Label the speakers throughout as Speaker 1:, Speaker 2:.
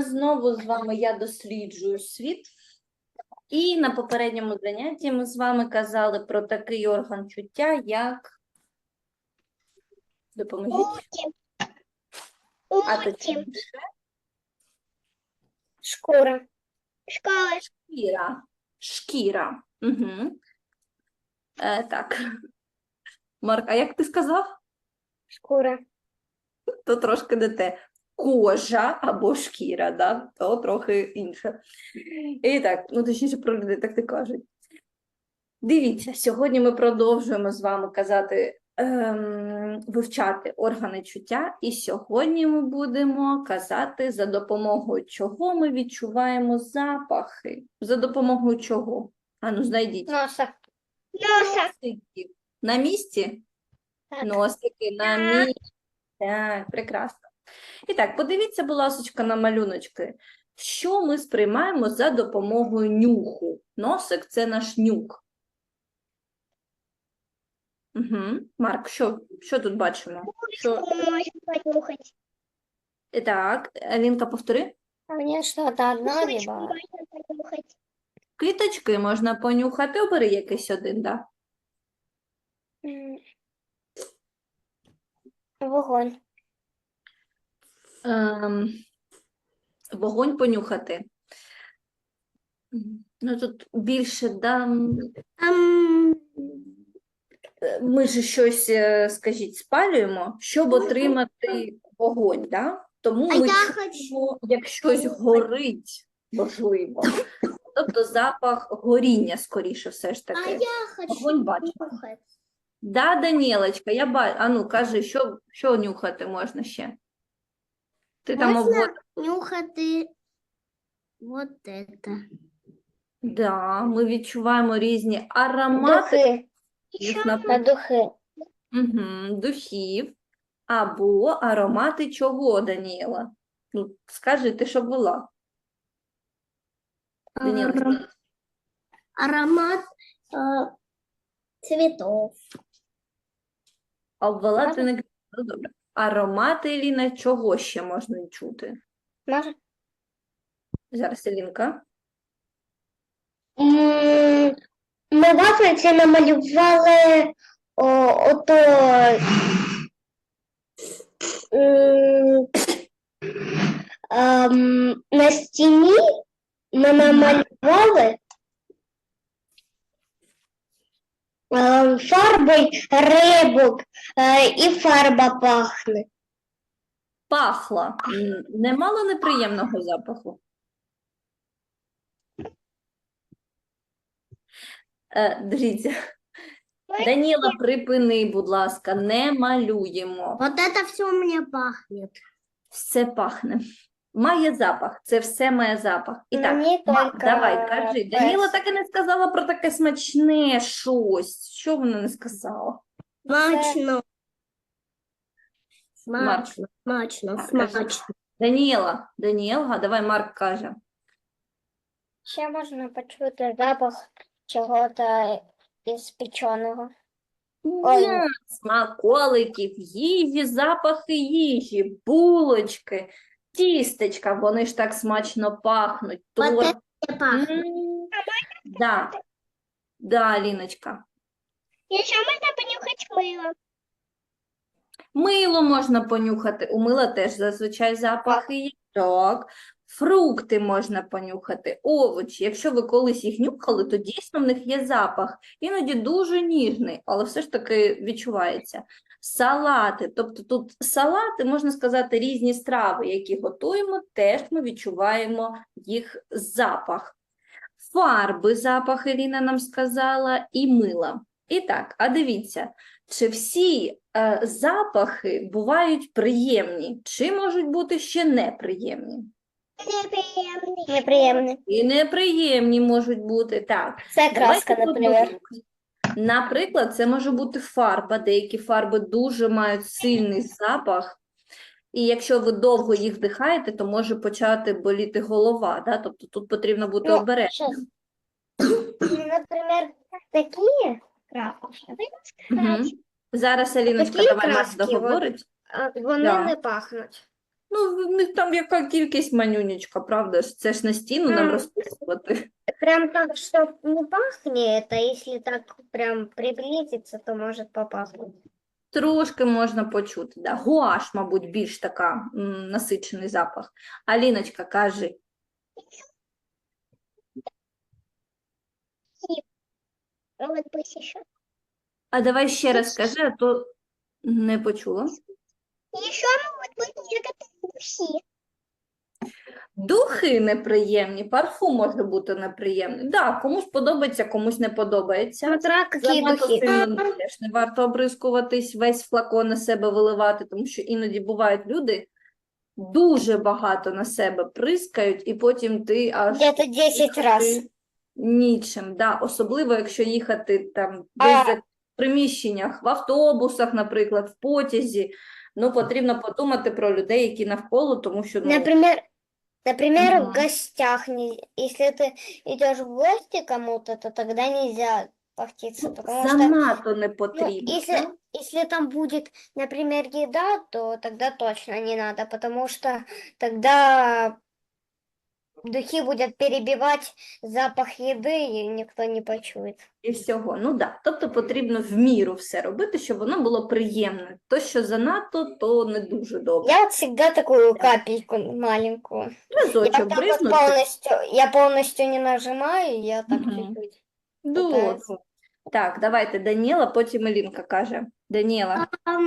Speaker 1: знову з вами я досліджую світ. І на попередньому занятті ми з вами казали про такий орган чуття, як... Допоможіть. А точніше,
Speaker 2: Шкура. Школа.
Speaker 1: шкіра. Шкіра. Угу. Так. Марк, а як ти сказав?
Speaker 2: Шкура.
Speaker 1: То трошки не те. Кожа або шкіра, да? То трохи інше. І так, ну точніше про людей так не кажуть. Дивіться, сьогодні ми продовжуємо з вами вивчати органи чуття, і сьогодні ми будемо казати, за допомогою чого ми відчуваємо запахи. За допомогою чого? Ану, знайдіть.
Speaker 2: Носа.
Speaker 1: Носиків. На місці?
Speaker 2: Так.
Speaker 1: Носики на місці. Так, прекрасно. І так, подивіться, будь ласка, на малюночки. Що ми сприймаємо за допомогою нюху? Носик – це наш нюх. Угу. Марк, що тут бачимо?
Speaker 2: Можна понюхати.
Speaker 1: Так, Алінка, повтори.
Speaker 2: Мені щось одно либо. Можна понюхати.
Speaker 1: Квіточки можна понюхати. Обери якийсь один, да?
Speaker 2: Вогонь.
Speaker 1: Вогонь понюхати. Ну, тут більше, да, ми ж щось, скажіть, спалюємо, щоб отримати вогонь, да? Тому ми чуємо, як щось горить, можливо. Тобто запах горіння, скоріше, все ж таки. Вогонь бачимо.
Speaker 2: Нюхати.
Speaker 1: Да, Данілочка, я бачу. А ну, кажи, що нюхати можна ще? Ти там
Speaker 2: Можна нюхати вот это.
Speaker 1: Да, ми відчуваємо різні аромати.
Speaker 2: Духи.
Speaker 1: Їх
Speaker 2: На духи.
Speaker 1: духів або аромати чого, Даніела? Ну, скажи, ти що була? Даніела,
Speaker 2: Аромат цветов.
Speaker 1: а ввела ти не... Ну, добре. Аромати, Еліна, чого ще можна чути?
Speaker 2: Може?
Speaker 1: Зараз, Елінка.
Speaker 2: Ми в Африці намалювали ото на стіні ми намалювали фарбою рибок і фарба пахне.
Speaker 1: Пахла. Немало неприємного запаху? Дивіться. Даніла, припини, будь ласка, не малюємо.
Speaker 2: Вот это все у меня пахнет.
Speaker 1: Все пахне. Має запах. Це все має запах. І так,
Speaker 2: Мені тільки
Speaker 1: давай, кажи. Даніла
Speaker 2: перс.
Speaker 1: так і не сказала про таке смачне щось. Що вона не сказала?
Speaker 2: Смачно.
Speaker 1: Смачно.
Speaker 2: Смачно.
Speaker 1: Так, кажи. Даніела, давай Марк каже.
Speaker 2: Ще можна почути запах чого-то із печеного. Ой.
Speaker 1: Смаколиків, їжі, запахи їжі, булочки, тістечка, вони ж так смачно пахнуть. Торт. Да. Да, Аліночка.
Speaker 2: І ще можна понюхати мило.
Speaker 1: Мило можна понюхати. У мила теж зазвичай запахи є. Так. Фрукти можна понюхати, овочі. Якщо ви колись їх нюхали, то дійсно в них є запах. Іноді дуже ніжний, але все ж таки відчувається. Салати. Тобто тут салати, можна сказати, різні страви, які готуємо, теж ми відчуваємо їх запах. Фарби, запах Еліна нам сказала, і мила. І так, а дивіться, чи всі запахи бувають приємні, чи можуть бути ще неприємні?
Speaker 2: Неприємний.
Speaker 1: І неприємні можуть бути, так.
Speaker 2: Це краска,
Speaker 1: Давайте
Speaker 2: наприклад.
Speaker 1: подумаємо. Наприклад, це може бути фарба. Деякі фарби дуже мають сильний запах. І якщо ви довго їх вдихаєте, то може почати боліти голова. Да? Тобто тут потрібно бути обережним.
Speaker 2: Наприклад, такі краски.
Speaker 1: Зараз, Аліночка,
Speaker 2: Такі
Speaker 1: давай Марк
Speaker 2: краски,
Speaker 1: договорить.
Speaker 2: Вони
Speaker 1: Да.
Speaker 2: не пахнуть.
Speaker 1: Ну, в них там яка кількість манюнечка, правда ж? Це ж на стіну нам розписувати.
Speaker 2: Прям так, что не пахнет, а если так прям приблизиться, то может попахнуть.
Speaker 1: Трошки можна почути, да. Гуаш, мабуть, більш така насичений запах. Аліночка, кажи.
Speaker 2: Вот пусть еще.
Speaker 1: А давай ще раз скажи, а то не почула.
Speaker 2: Еще могут быть некоторые духи.
Speaker 1: Духи неприємні, парфум може бути неприємний. Да, комусь подобається, комусь не подобається.
Speaker 2: Смотря какие
Speaker 1: Занадто
Speaker 2: духи.
Speaker 1: сильно теж не варто обрискуватись, весь флакон на себе виливати, тому що іноді бувають люди, дуже багато на себе прискають, і потім ти аж
Speaker 2: Где-то 10 раз.
Speaker 1: нічим. Да. Особливо, якщо їхати там
Speaker 2: А-
Speaker 1: десь за приміщеннях, в автобусах, наприклад, в потязі. Ну, потрібно подумати про людей, які навколо, тому що, ну,
Speaker 2: Например,
Speaker 1: Мгм.
Speaker 2: в гостях. Если ты идешь в гости кому-то, то тогда нельзя пахтиться, потому что
Speaker 1: занадто не
Speaker 2: ну,
Speaker 1: потрібно. да?
Speaker 2: если там будет, например, еда, то тогда точно не надо, потому что тогда духи будут перебивать запах еды, и никто не почует.
Speaker 1: І всього. Ну да. Тобто потрібно в міру все робити, щоб воно було приємне. То, що занадто, то не дуже добре.
Speaker 2: Я вот всегда такую капельку маленькую.
Speaker 1: Разочок
Speaker 2: Так вот
Speaker 1: бризнути.
Speaker 2: я полностью не нажимаю, я так
Speaker 1: Мгм.
Speaker 2: чуть-чуть.
Speaker 1: Добре.
Speaker 2: пытаюсь.
Speaker 1: Так, давайте Даніела, потім Елінка каже. Даніела.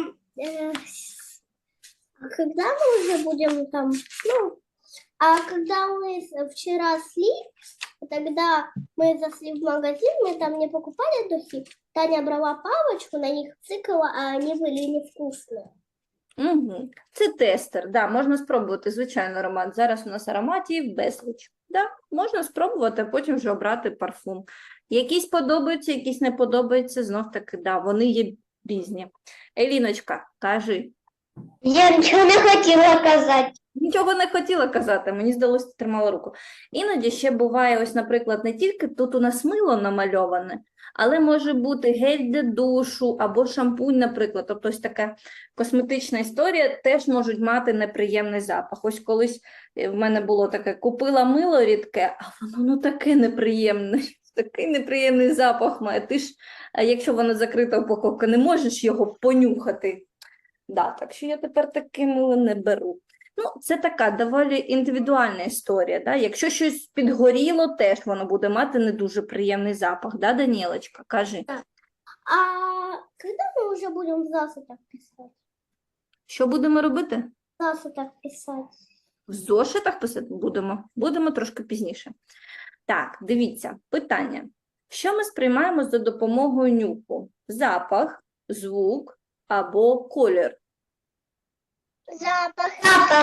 Speaker 3: Когда мы уже будем там, ну, а когда мы вчера шли, тогда мы зашли в магазин, мы там не покупали духи, Таня брала палочку, на них цикала, а они были невкусные.
Speaker 1: Угу. Це тестер, да, можна спробувати, звичайно, аромат. Зараз у нас ароматів безліч. Да, можна спробувати, а потім вже обрати парфум. Якісь подобаються, якісь не подобаються, знов таки, да, вони є різні. Еліночка, кажи.
Speaker 2: Я ничего не хотела сказать.
Speaker 1: Нічого не хотіла казати, мені здалося, ти тримала руку. Іноді ще буває, ось, наприклад, не тільки тут у нас мило намальоване, але може бути гель для душу або шампунь, наприклад. Тобто ось така косметична історія теж можуть мати неприємний запах. Ось колись в мене було таке, купила мило рідке, а воно ну таке неприємне, такий неприємний запах має. Ти ж, якщо воно закрита упаковка, не можеш його понюхати. Да, так що я тепер таке мило не беру. Ну, це така доволі індивідуальна історія. Да? Якщо щось підгоріло, теж воно буде мати не дуже приємний запах. Да, Данілочка, кажи.
Speaker 3: А когда мы уже будем в засотах писать?
Speaker 1: Що будемо робити?
Speaker 3: В засотах писать.
Speaker 1: В зошитах писати будемо? Будемо трошки пізніше. Так, дивіться, питання. Що ми сприймаємо за допомогою нюху? Запах, звук або колір?
Speaker 3: Запах.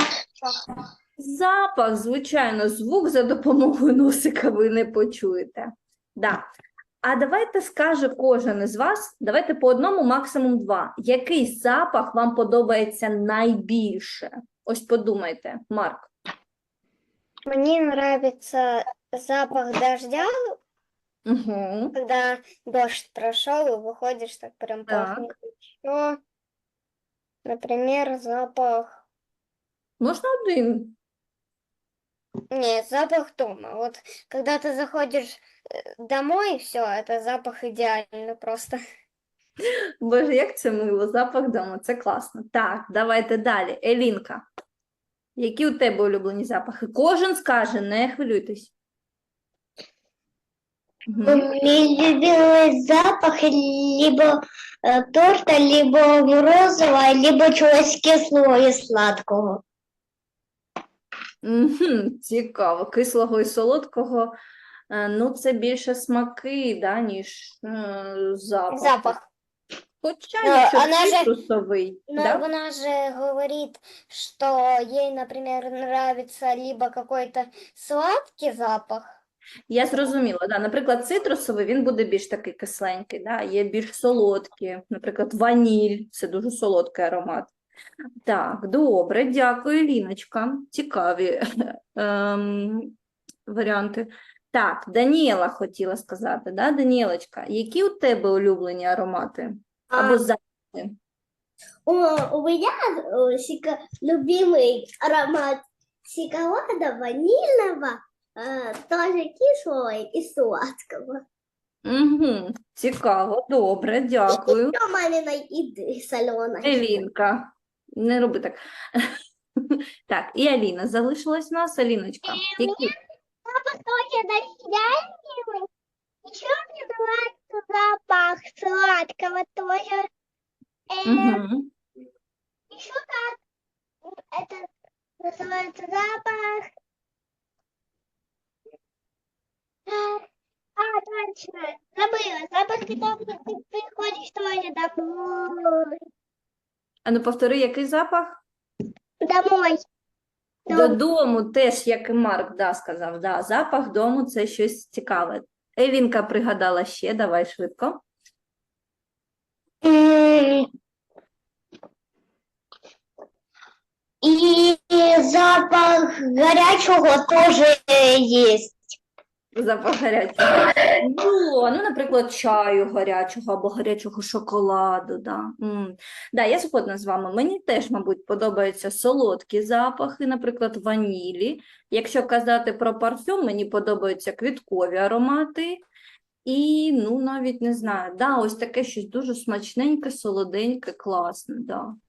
Speaker 1: Запах, звичайно, звук за допомогою носика ви не почуєте. Да. А давайте скаже кожен із вас, давайте по одному, максимум два. Який запах вам подобається найбільше? Ось подумайте, Марк.
Speaker 2: Мне нравится запах дождя,
Speaker 1: Угу.
Speaker 2: когда дождь прошел и выходишь, так прям
Speaker 1: Так.
Speaker 2: пахнет. Еще, например, запах...
Speaker 1: Можна один.
Speaker 2: Не, запах дома. Вот когда ты заходишь домой, все, это запах идеальный просто.
Speaker 1: Боже, як це мило, запах дому, це класно. Так, давайте далі. Елінка, які у тебе улюблені запахи? Кожен скаже, не хвилюйтесь. Мгм.
Speaker 2: Мой любимый запах либо торта, либо морозива, либо чогось кислого і сладкого.
Speaker 1: Мгм, цікаво. Кислого і солодкого. Ну, це більше смаки, да, ніж запах.
Speaker 2: Запах.
Speaker 1: Хоча,
Speaker 2: Ну,
Speaker 1: якщо
Speaker 2: вона же-
Speaker 1: цитрусовий,
Speaker 2: Но
Speaker 1: да?
Speaker 2: она же говорит, что ей, например, нравится либо какой-то сладкий запах.
Speaker 1: Я зрозуміла, да. Наприклад, цитрусовий, він буде більш такий кисленький, да. Є більш солодкі, наприклад, ваніль, це дуже солодкий аромат. Так, добре, дякую, Ліночка. Цікаві варіанти. Так, Даніела хотіла сказати, да, Даніелочка, які у тебе улюблені аромати? Або запахи?
Speaker 3: У меня любимый аромат шоколада ванильного, тоже кислого и сладкого.
Speaker 1: Угу. Цікаво, добре, дякую.
Speaker 3: Еще маминой еды соленой.
Speaker 1: Елінка, не роби так. Так, і Аліна залишилась у нас. Аліночка, які?
Speaker 3: Папа тоже дождяный. Еще мне нравится запах сладкого тоже.
Speaker 1: Угу.
Speaker 3: Еще как это называется запах. Точно. Забыла. Запах, когда ты приходишь тоже домой.
Speaker 1: А ну повтори, який запах?
Speaker 3: Домой.
Speaker 1: Додому теж, як і Марк, сказав. Да, запах дому – це щось цікаве. Елінка пригадала ще, давай швидко.
Speaker 2: И запах горячего тоже есть.
Speaker 1: Запах гарячого. Ну, наприклад, чаю гарячого або гарячого шоколаду. Да. Да, я згодна з вами. Мені теж, мабуть, подобаються солодкі запахи, наприклад, ванілі. Якщо казати про парфюм, мені подобаються квіткові аромати. І, ну, навіть не знаю, ось таке щось дуже смачненьке, солоденьке, класне, да.